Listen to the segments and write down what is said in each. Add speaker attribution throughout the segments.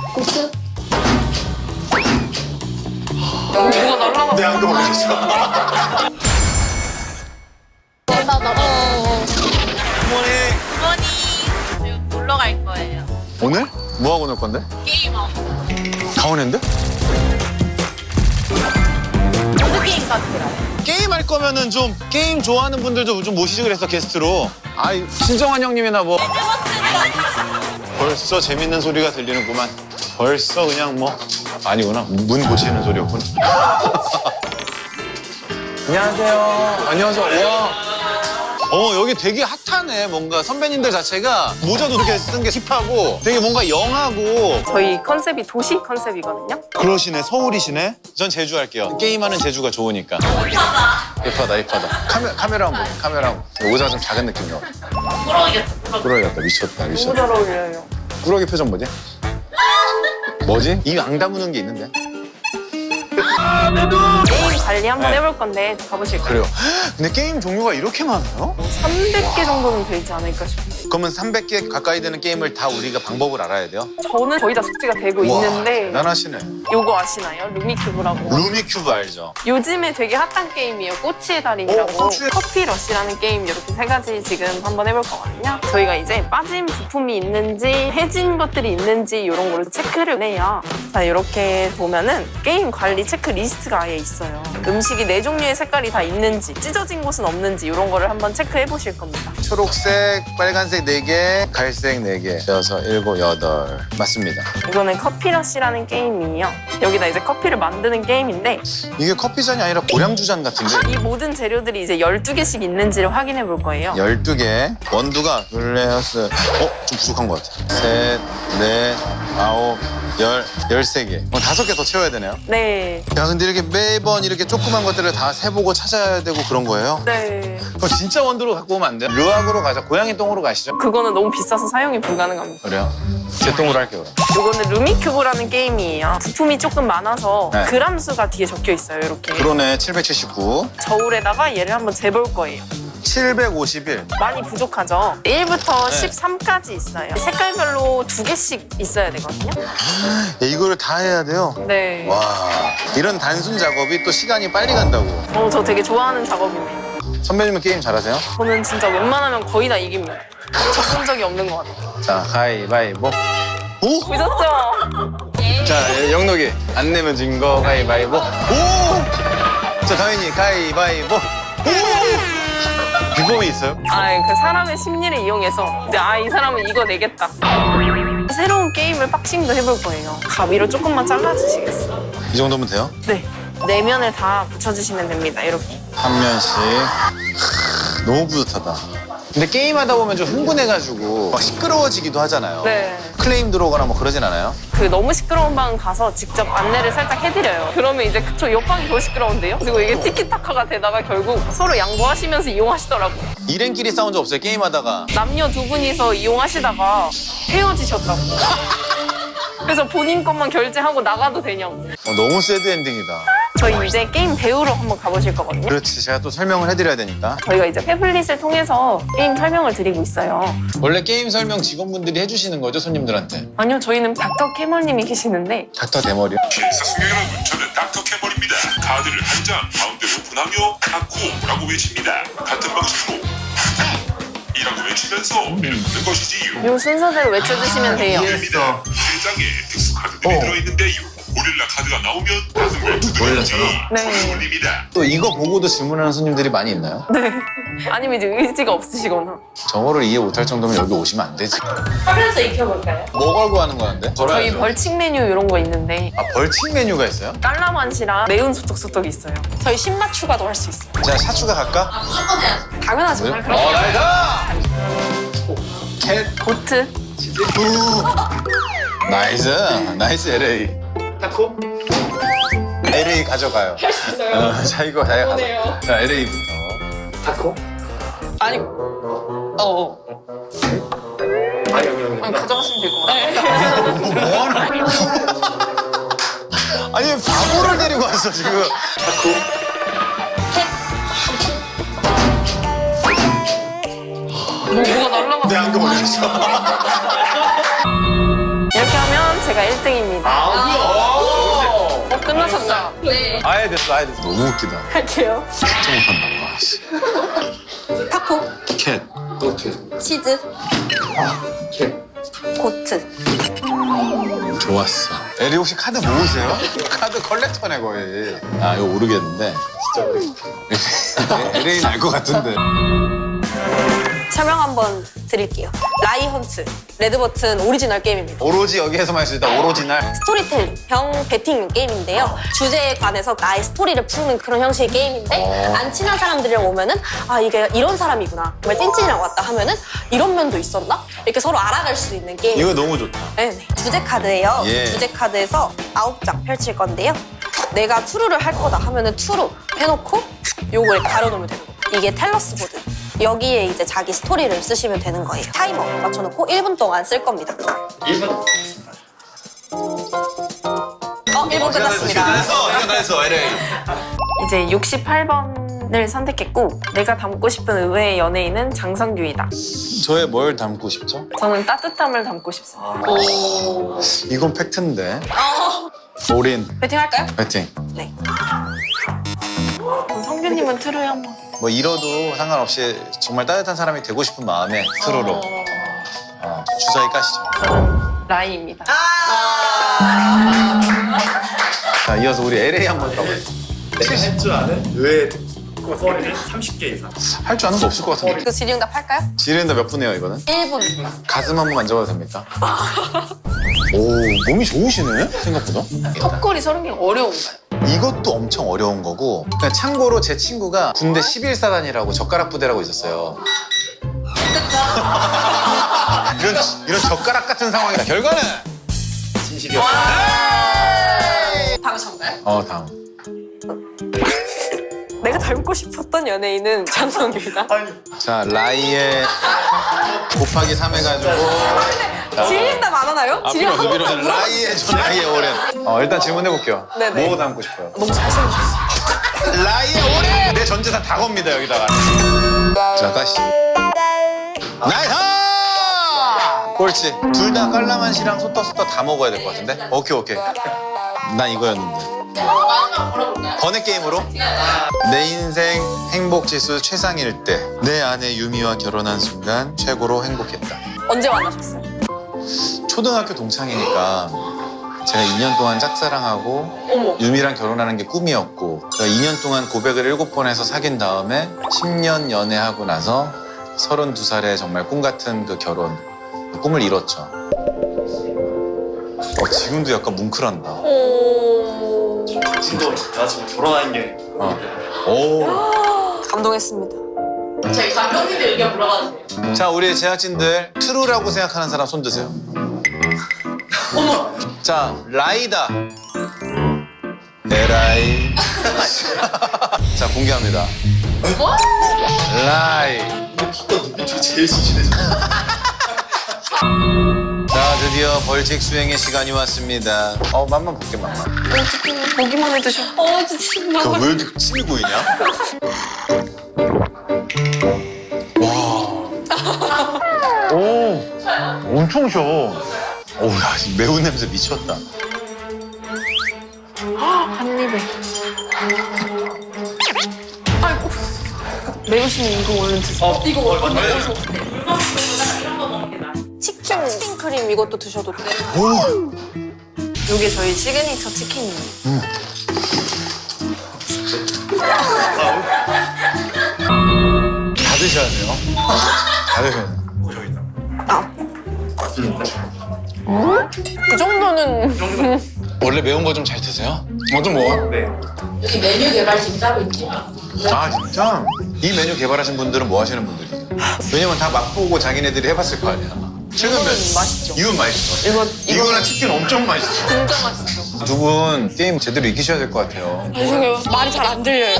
Speaker 1: 고트?
Speaker 2: 뭐가 날라가.
Speaker 3: 내 안경 어딨어?
Speaker 1: 나.
Speaker 3: 어머니.
Speaker 2: 어머니 지금 놀러 갈 거예요.
Speaker 3: 오늘? 뭐 하고 놀 건데?
Speaker 2: 게임하고.
Speaker 3: 강원랜드?
Speaker 2: 보드 게임 같더라고.
Speaker 3: 게임 할 거면은 좀 게임 좋아하는 분들도 좀 모시지 그랬어 게스트로. 아이 신정환 형님이나 뭐. 벌써 재밌는 소리가 들리는구만. 벌써 그냥 뭐 아니구나 문 고치는 소리였구나. 안녕하세요. 안녕하세요. 와. 여기 되게 핫하네. 뭔가 선배님들 자체가 모자도 이렇게 쓴 게 힙하고 되게 뭔가 영하고.
Speaker 2: 저희 컨셉이 도시 컨셉이거든요.
Speaker 3: 그러시네. 서울이시네. 전 제주 할게요. 게임하는 제주가 좋으니까. 예쁘다. 카메라 한번 보세요. 카메라 한번. 모자가 좀 작은 느낌이요. 꾸러기였다. 미쳤다.
Speaker 2: 너무 잘 어울려요.
Speaker 3: 꾸러기 표정 뭐지? 뭐지? 입 안 다무는 게 있는데.
Speaker 2: 게임 관리 한번
Speaker 3: 네.
Speaker 2: 해볼 건데 가보실까요?
Speaker 3: 그래요. 근데 게임 종류가 이렇게 많아요?
Speaker 2: 300개 정도는 되지 않을까 싶은데.
Speaker 3: 그러면 300개 가까이 되는 게임을 다 우리가 방법을 알아야 돼요?
Speaker 2: 저는 거의 다 숙지가 되고
Speaker 3: 와,
Speaker 2: 있는데
Speaker 3: 대단하시네.
Speaker 2: 요거 아시나요? 루미큐브라고.
Speaker 3: 루미큐브 알죠?
Speaker 2: 요즘에 되게 핫한 게임이에요. 꼬치의 달인이라고.
Speaker 3: 꼬치의-
Speaker 2: 커피러시라는 게임 이렇게 세 가지 지금 한번 해볼 거거든요. 저희가 이제 빠진 부품이 있는지 해진 것들이 있는지 이런 거를 체크를 해요. 자, 이렇게 보면은 게임 관리 체크리스트가 아예 있어요. 음식이 4종류의 색깔이 다 있는지 찢어진 곳은 없는지 이런 거를 한번 체크해 보실 겁니다.
Speaker 3: 초록색, 빨간색 4개, 갈색 4개, 6, 7, 8. 맞습니다.
Speaker 2: 이거는 커피러시라는 게임이에요. 여기다 이제 커피를 만드는 게임인데
Speaker 3: 이게 커피잔이 아니라 고량주잔 같은데?
Speaker 2: 이 모든 재료들이 이제 12개씩 있는지를 확인해 볼 거예요.
Speaker 3: 12개. 원두가 블레어스. 좀 부족한 것 같아. 셋, 넷, 아홉, 13개. 5개 더 채워야 되네요.
Speaker 2: 네.
Speaker 3: 야, 근데 이렇게 매번 이렇게 조그만 것들을 다 세보고 찾아야 되고 그런 거예요?
Speaker 2: 네.
Speaker 3: 진짜 원두로 갖고 오면 안 돼요? 르왁으로 가자. 고양이 똥으로 가시죠.
Speaker 2: 그거는 너무 비싸서 사용이 불가능합니다.
Speaker 3: 그래요? 제 똥으로 할게요, 그럼.
Speaker 2: 이거는 루미큐브라는 게임이에요. 부품이 조금 많아서
Speaker 3: 네.
Speaker 2: 그람 수가 뒤에 적혀 있어요. 이렇게.
Speaker 3: 그러네, 779.
Speaker 2: 저울에다가 얘를 한번 재볼 거예요.
Speaker 3: 751.
Speaker 2: 많이 부족하죠? 1부터
Speaker 3: 네.
Speaker 2: 13까지 있어요. 색깔별로 2개씩 있어야 되거든요.
Speaker 3: 야, 이거를 다 해야 돼요?
Speaker 2: 네.
Speaker 3: 와, 이런 단순 작업이 또 시간이 빨리 간다고.
Speaker 2: 저 되게 좋아하는 작업이네요.
Speaker 3: 선배님은 게임 잘하세요?
Speaker 2: 저는 진짜 웬만하면 거의 다 이깁니다. 접은 적이 없는 것 같아요.
Speaker 3: 자, 가위바위보. 오!
Speaker 2: 보셨죠?
Speaker 3: 자, 영록이. 안 내면 진 거 가위바위보. 오! 자, 다현이 가위바위보. 오! 비법이 있어요?
Speaker 2: 그 사람의 심리를 이용해서 이제 이 사람은 이거 내겠다. 새로운 게임을 박싱도 해볼 거예요. 가위로 조금만 잘라주시겠어요?
Speaker 3: 이 정도면 돼요?
Speaker 2: 네. 내면을 다 붙여주시면 됩니다. 이렇게.
Speaker 3: 한 면씩. 너무 뿌듯하다. 근데 게임하다 보면 좀 흥분해가지고 막 시끄러워지기도 하잖아요.
Speaker 2: 네.
Speaker 3: 클레임 들어오거나 뭐 그러진 않아요?
Speaker 2: 너무 시끄러운 방 가서 직접 안내를 살짝 해드려요. 그러면 이제 저 옆방이 더 시끄러운데요? 그리고 이게 티키타카가 되다가 결국 서로 양보하시면서 이용하시더라고요.
Speaker 3: 일행끼리 싸운 적 없어요? 게임하다가.
Speaker 2: 남녀 두 분이서 이용하시다가 헤어지셨다고. 그래서 본인 것만 결제하고 나가도 되냐고.
Speaker 3: 너무 새드 엔딩이다.
Speaker 2: 저희 이제 게임 배우러 한번 가보실 거거든요.
Speaker 3: 그렇지, 제가 또 설명을 해드려야 되니까.
Speaker 2: 저희가 이제 패블릿을 통해서 게임 설명을 드리고 있어요.
Speaker 3: 원래 게임 설명 직원분들이 해주시는 거죠, 손님들한테?
Speaker 2: 아니요, 저희는 닥터 캐머님이 계시는데
Speaker 3: 닥터 대머리.
Speaker 4: 사승 여러분, 저는 닥터 캐머입니다. 카드를 한 장 가운데 오픈하며 닥코라고 외칩니다. 같은 방식으로 이라고 외치면서 내는 것이지요.
Speaker 2: 이 순서대로 외쳐주시면 돼요.
Speaker 3: 이해했어.
Speaker 4: 3장에 특수 카드들이 들어있는데요. 고릴라 카드가 나오면 다섯 발 두드려야지.
Speaker 2: 네.
Speaker 4: 손님입니다.
Speaker 3: 또 이거 보고도 질문하는 손님들이 많이 있나요?
Speaker 2: 네. 아니면 이제 의지가 없으시거나.
Speaker 3: 저거를 이해 못할 정도면 여기 오시면 안 되지.
Speaker 2: 하면서 익혀볼까요?
Speaker 3: 뭐 걸고 하는 거는데?
Speaker 2: 저희 벌칙 메뉴 이런 거 있는데
Speaker 3: 벌칙 메뉴가 있어요?
Speaker 2: 깔라만시랑 매운 소떡소떡이 있어요. 저희 신맛 추가도 할 수 있어요.
Speaker 3: 자, 샷추가 갈까?
Speaker 2: 당연하죠.
Speaker 3: 뭐요?
Speaker 2: 그럼
Speaker 3: 나이스! 캣.
Speaker 2: 보트.
Speaker 3: 나이스. 나이스 LA. 타코? LA 가져가요. 할 수 있어요. 자, 이거 자, 가자. 자, LA부터. 타코?
Speaker 2: 아니. 아니 가져가시면 될 것 같아요.
Speaker 3: 뭐 하는 아니, 바보를 데리고 왔어, 지금.
Speaker 2: 뭐가 날라가.
Speaker 3: 내 안경 어디 있어?
Speaker 2: 이렇게 하면 제가 1등입니다. 끝나셨죠?
Speaker 1: 네.
Speaker 3: 아예 됐어, 아예 됐어. 너무 웃기다.
Speaker 2: 할게요.
Speaker 3: 진짜 못한다. 와, 씨.
Speaker 1: 타코,
Speaker 3: 캣.
Speaker 1: 치즈, 고트.
Speaker 3: 좋았어. 에리 혹시 카드 모으세요? 카드 컬렉터네 거의. 아 이거 모르겠는데. 진짜 모르겠어. LA는 알 것 같은데.
Speaker 1: 설명 한번 드릴게요. 라이헌트, 레드버튼 오리지널 게임입니다.
Speaker 3: 오로지 여기에서만 할 수 있다. 오로지널.
Speaker 1: 스토리텔링, 병 배팅 게임인데요. 주제에 관해서 나의 스토리를 푸는 그런 형식의 게임인데 안 친한 사람들이랑 오면은 아 이게 이런 사람이구나. 정말 찐찐이랑 왔다 하면은 이런 면도 있었나? 이렇게 서로 알아갈 수 있는 게임.
Speaker 3: 이거 너무 좋다.
Speaker 1: 네. 주제 카드예요.
Speaker 3: 예.
Speaker 1: 주제 카드에서 9장 펼칠 건데요. 내가 투루를 할 거다 하면은 투루 해놓고 요걸 가려놓으면 되는 거예요. 이게 텔러스 보드. 여기에 이제 자기 스토리를 쓰시면 되는 거예요. 타이머 맞춰놓고 1분 동안 쓸 겁니다.
Speaker 5: 1분.
Speaker 1: 1분 끝났습니다.
Speaker 3: 이거 다 했어, LA.
Speaker 2: 이제 68번을 선택했고 내가 닮고 싶은 의외의 연예인은 장성규이다.
Speaker 3: 저의 뭘 담고 싶죠?
Speaker 2: 저는 따뜻함을 닮고 싶습니다.
Speaker 3: 이건 팩트인데. 올인.
Speaker 1: 배팅 할까요?
Speaker 3: 파이팅.
Speaker 1: 네.
Speaker 2: 그럼 성규님은 트루에 한번.
Speaker 3: 뭐 잃어도 상관없이 정말 따뜻한 사람이 되고 싶은 마음에 트루로 주사위 까시죠.
Speaker 2: 저는 라이입니다.
Speaker 3: 자, 이어서 우리 LA 한번 가볼게요.
Speaker 5: 할줄 아는 의외의 듣고 소리는 30개 이상.
Speaker 3: 할 줄 아는 거 없을 것 같은데.
Speaker 1: 그 질의응답 할까요?
Speaker 3: 지른다 몇 분이에요, 이거는?
Speaker 1: 1분.
Speaker 3: 가슴 한번 만져봐도 됩니까? 오, 몸이 좋으시네, 생각보다.
Speaker 2: 턱걸이 30개 어려운가요?
Speaker 3: 이것도 엄청 어려운 거고. 그냥 참고로 제 친구가 군대 11사단이라고 젓가락 부대라고 있었어요. 이런 젓가락 같은 상황이다. 결과는?
Speaker 5: 진실이었어요.
Speaker 1: 방송가요?
Speaker 3: 다음.
Speaker 1: 내가 닮고 싶었던 연예인은 장성규이다.
Speaker 3: 자, 라이에 곱하기 3 해가지고.
Speaker 1: 질의응답 안 하나요? 질의 한 번도 안 물어봤어요.
Speaker 3: 라이에 전라이에 오랜. 일단 질문해볼게요.
Speaker 1: 네네.
Speaker 3: 뭐 담고 싶어요?
Speaker 1: 너무 잘생기셨어요.
Speaker 3: 라이에 오랜! 내 전재산 다 겁니다, 여기다가. 자, 다시. 나이스! 꼴찌. 둘 다 깔라만시랑 소떡소떡 다 먹어야 될 것 같은데? 오케이. 난 이거였는데. 번외 게임으로? 내 인생 행복 지수 최상일 때 내 아내 유미와 결혼한 순간 최고로 행복했다.
Speaker 1: 언제 만나셨어요?
Speaker 3: 초등학교 동창이니까 제가 2년 동안 짝사랑하고 유미랑 결혼하는 게 꿈이었고 2년 동안 고백을 7번 해서 사귄 다음에 10년 연애하고 나서 32살에 정말 꿈 같은 그 결혼 그 꿈을 이뤘죠. 지금도 약간 뭉클한다.
Speaker 5: 지금 나 지금 결혼한 게.
Speaker 3: 오.
Speaker 1: 감동했습니다.
Speaker 6: 저희 감독님들 의견 물어봐도 돼요?
Speaker 3: 자, 우리 제작진들 트루라고 생각하는 사람 손 드세요.
Speaker 6: 어머!
Speaker 3: 자, 라이다. 에라이. 자, 공개합니다.
Speaker 6: 뭐?
Speaker 3: 라이.
Speaker 5: 봤던 눈빛 중에 제일 진실해져.
Speaker 3: 자, 드디어 벌칙 수행의 시간이 왔습니다. 맛만 볼게, 맛만.
Speaker 2: 어떻게 보기만 해도
Speaker 1: 진짜.
Speaker 3: 왜 이렇게 침이 고이냐? 와. 오. 엄청 셔. 오, 야, 매운 냄새 미쳤다.
Speaker 2: 한 입에. 아이고. 매우시면 이거 얼른 드세요.
Speaker 6: 이거
Speaker 5: 맞네.
Speaker 1: 치킨 크림 이것도 드셔도 돼요.
Speaker 3: 오.
Speaker 2: 이게 저희 시그니처 치킨이에요.
Speaker 3: 다 드셔야 돼요. 다 드셔야 돼요.
Speaker 5: 여기 있다.
Speaker 1: 이 정도는
Speaker 3: 원래 매운 거 좀 잘 드세요? 좀 먹어.
Speaker 5: 네.
Speaker 6: 여기 메뉴 개발팀 따로 있죠?
Speaker 3: 아, 진짜? 이 메뉴 개발하신 분들은 뭐 하시는 분들이에요? 왜냐면 다 맛보고 자기네들이 해봤을 거 아니야. 최근
Speaker 2: 이거는
Speaker 3: 몇
Speaker 2: 맛있죠.
Speaker 3: 이건 맛있어. 이거는 치킨 엄청 맛있어.
Speaker 2: 진짜 맛있어.
Speaker 3: 두 분 게임 제대로 익히셔야 될 것 같아요.
Speaker 1: 죄송해요. 말이 잘 안 들려요.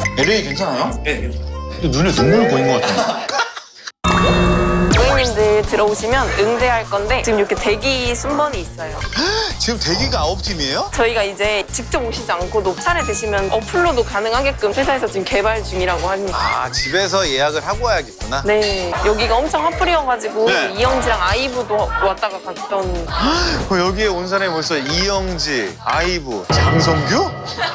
Speaker 3: LA 괜찮아요?
Speaker 5: 네.
Speaker 3: 근데 눈에 눈물 보인 것 같아요.
Speaker 2: 고객님들 들어오시면 응대할 건데 지금 이렇게 대기 순번이 있어요.
Speaker 3: 지금 대기가 9팀이에요?
Speaker 2: 저희가 이제 직접 오시지 않고도 차례 되시면 어플로도 가능하게끔 회사에서 지금 개발 중이라고 합니다.
Speaker 3: 아, 집에서 예약을 하고 와야겠구나.
Speaker 2: 네, 여기가 엄청 핫플이어가지고
Speaker 3: 네.
Speaker 2: 이영지랑 아이브도 왔다가 갔던.
Speaker 3: 여기에 온 사람이 벌써 이영지, 아이브, 장성규?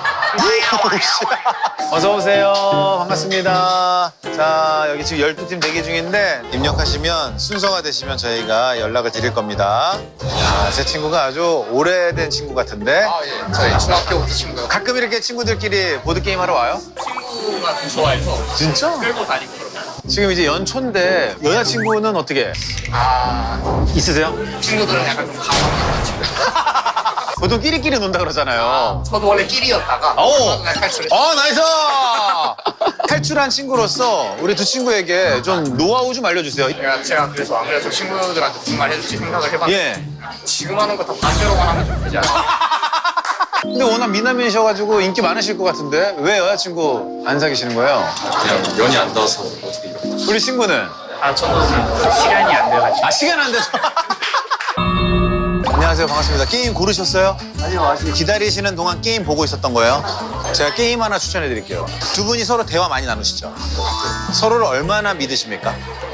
Speaker 3: 어서 오세요. 반갑습니다. 자, 여기 지금 12팀 대기 중인데 입력하시면 순서가 되시면 저희가 연락을 드릴 겁니다. 야, 제 친구가 아주 오래된 친구 같은데
Speaker 7: 아, 예. 저희 중학교부터 친구요.
Speaker 3: 가끔 이렇게 친구들끼리 보드게임 하러 와요?
Speaker 7: 친구가 좀 좋아해서
Speaker 3: 진짜?
Speaker 7: 끌고 다니고 그러면.
Speaker 3: 지금 이제 연초인데 여자친구는 어떻게
Speaker 7: 아,
Speaker 3: 있으세요?
Speaker 7: 친구들은 약간 좀 가만한 친구.
Speaker 3: 보통 끼리끼리 논다 그러잖아요.
Speaker 7: 저도 원래 끼리였다가
Speaker 3: 오!
Speaker 7: 얼마 전에 탈출했어요.
Speaker 3: 나이스! 탈출한 친구로서 우리 두 친구에게 좀 노하우 좀 알려주세요.
Speaker 7: 제가 그래서 아무래도 친구들한테 무슨 말 해줄지 생각을 해봤는데
Speaker 3: 예.
Speaker 7: 지금 하는 거 다 반대로만 하면 좀 되지 않아요?
Speaker 3: 근데 워낙 미남이셔가지고 인기 많으실 것 같은데 왜 여자친구 안 사귀시는 거예요?
Speaker 5: 그냥 연이 안 닿아서 어떻게 이렇게.
Speaker 3: 우리 친구는?
Speaker 7: 아, 저도 시간이 안 돼가지고.
Speaker 3: 아, 시간 안 돼서. 안녕하세요. 반갑습니다. 게임 고르셨어요? 아니요. 기다리시는 동안 게임 보고 있었던 거예요? 제가 게임 하나 추천해 드릴게요. 두 분이 서로 대화 많이 나누시죠? 서로를 얼마나 믿으십니까?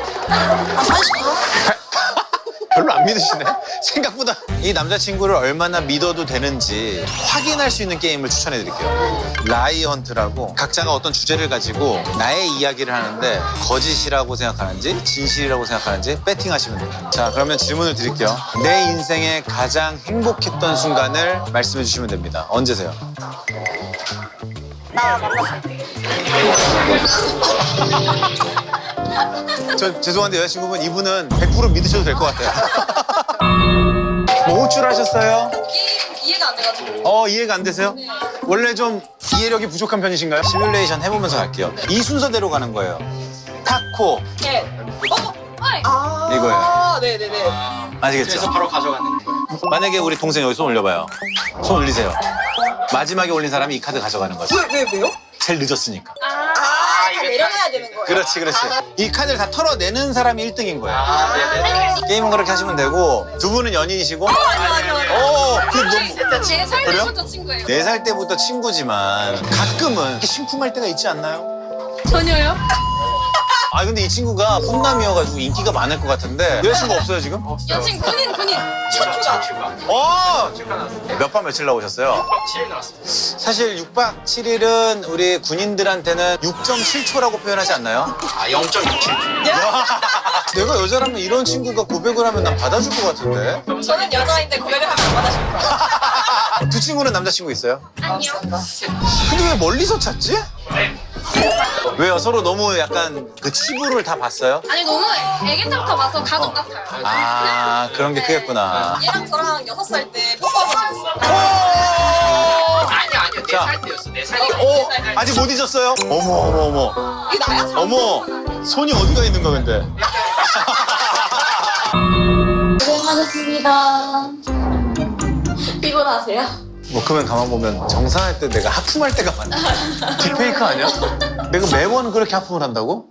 Speaker 3: 별로 안 믿으시네? 생각보다 이 남자친구를 얼마나 믿어도 되는지 확인할 수 있는 게임을 추천해 드릴게요. 라이언트라고 각자가 어떤 주제를 가지고 나의 이야기를 하는데 거짓이라고 생각하는지 진실이라고 생각하는지 배팅하시면 돼요. 자, 그러면 질문을 드릴게요. 내 인생에 가장 행복했던 순간을 말씀해 주시면 됩니다. 언제세요?
Speaker 1: 나 만났을 때.
Speaker 3: 저 죄송한데 여자친구분 이분은 100% 믿으셔도 될 것 같아요. 뭐 호출하셨어요?
Speaker 1: 이해가 안 돼가지고.
Speaker 3: 이해가 안 되세요? 원래 좀 이해력이 부족한 편이신가요? 시뮬레이션 해보면서 갈게요. 이 순서대로 가는 거예요. 타코
Speaker 1: 네.
Speaker 3: 이거예요.
Speaker 1: 네네네.
Speaker 3: 아시겠죠?
Speaker 7: 그래서 바로 가져가는 거예요.
Speaker 3: 만약에 우리 동생 여기 손 올려봐요. 손 올리세요. 마지막에 올린 사람이 이 카드 가져가는 거죠.
Speaker 1: 왜요?
Speaker 3: 제일 늦었으니까.
Speaker 1: 내려놔야 되는 거예요.
Speaker 3: 그렇지, 그렇지. 이 카드를 다 털어내는 사람이 1등인 거예요.
Speaker 7: 아, 네네.
Speaker 3: 게임은 그렇게 하시면 되고 두 분은 연인이시고
Speaker 1: 아니요.
Speaker 3: 그 너무
Speaker 1: 4살
Speaker 3: 그래요?
Speaker 1: 때부터 친구예요.
Speaker 3: 4살 때부터 친구지만 가끔은 이렇게 심쿵할 때가 있지 않나요?
Speaker 1: 전혀요?
Speaker 3: 아 근데 이 친구가 훈남이어가지고 인기가 많을 것 같은데 여자친구 없어요 지금?
Speaker 1: 여친 군인 첫 휴가.
Speaker 3: 몇 박 며칠 나오셨어요?
Speaker 7: 7일 나왔습니다.
Speaker 3: 사실 6박 7일은 우리 군인들한테는 6.7초라고 표현하지 않나요?
Speaker 7: 아, 0.67초.
Speaker 3: 내가 여자라면 이런 친구가 고백을 하면 난 받아줄 것 같은데
Speaker 1: 저는 여자인데 고백을 하면 안 받아줄 거예요.
Speaker 3: 두 친구는 남자친구 있어요?
Speaker 1: 아니요.
Speaker 3: 근데 왜 멀리서 찾지? 왜요? 서로 너무 약간 그 치부를 다 봤어요?
Speaker 1: 아니 너무 애기 때부터 봐서 가족 같아요.
Speaker 3: 아 그런 게 크겠구나.
Speaker 1: 얘랑 저랑 6살 때 뽀뽀하고
Speaker 7: 아니요.
Speaker 3: 자.
Speaker 7: 4살 때였어. 4살이요.
Speaker 3: 오! 아직 못 잊었어요? 어머.
Speaker 1: 이게 나야?
Speaker 3: 어머! 손이 어디가 있는 거야 근데?
Speaker 1: 고생하셨습니다. 피곤하세요?
Speaker 3: 뭐 그러면 가만 보면 정산할 때 내가 하품할 때가 많아. 딥페이크 아니야? 내가 매번 그렇게 하품을 한다고?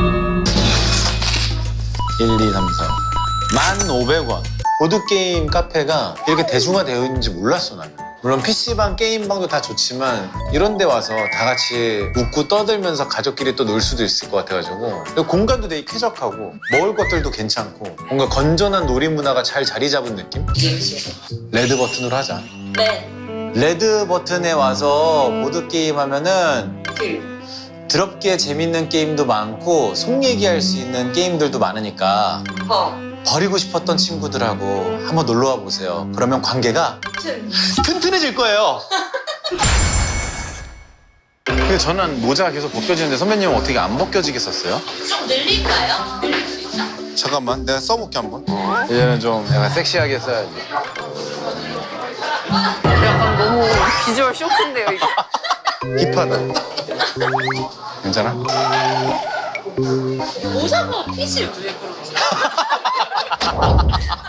Speaker 3: 1, 2, 3, 4 1,500원. 보드게임 카페가 이렇게 대중화되어 있는지 몰랐어 나는. 물론 PC방, 게임방도 다 좋지만 이런 데 와서 다 같이 웃고 떠들면서 가족끼리 또 놀 수도 있을 것 같아가지고 그리고 공간도 되게 쾌적하고 먹을 것들도 괜찮고 뭔가 건전한 놀이 문화가 잘 자리 잡은 느낌? 레드 버튼으로 하자.
Speaker 1: 네.
Speaker 3: 레드 버튼에 와서 보드게임 하면은 드럽게 재밌는 게임도 많고 속 얘기할 수 있는 게임들도 많으니까 버리고 싶었던 친구들하고 한번 놀러와 보세요. 그러면 관계가 튼튼해질 거예요. 근데 저는 모자가 계속 벗겨지는데 선배님은 어떻게 안 벗겨지겠었어요?
Speaker 6: 좀 늘릴까요? 늘릴 수 있나?
Speaker 3: 잠깐만 내가 써볼게 한번. 이제는 좀 약간 섹시하게 써야지.
Speaker 2: 약간 너무 비주얼 쇼크인데요, 이거.
Speaker 3: 힙하다. 괜찮아?
Speaker 6: 모자가 핏이 왜 그러지?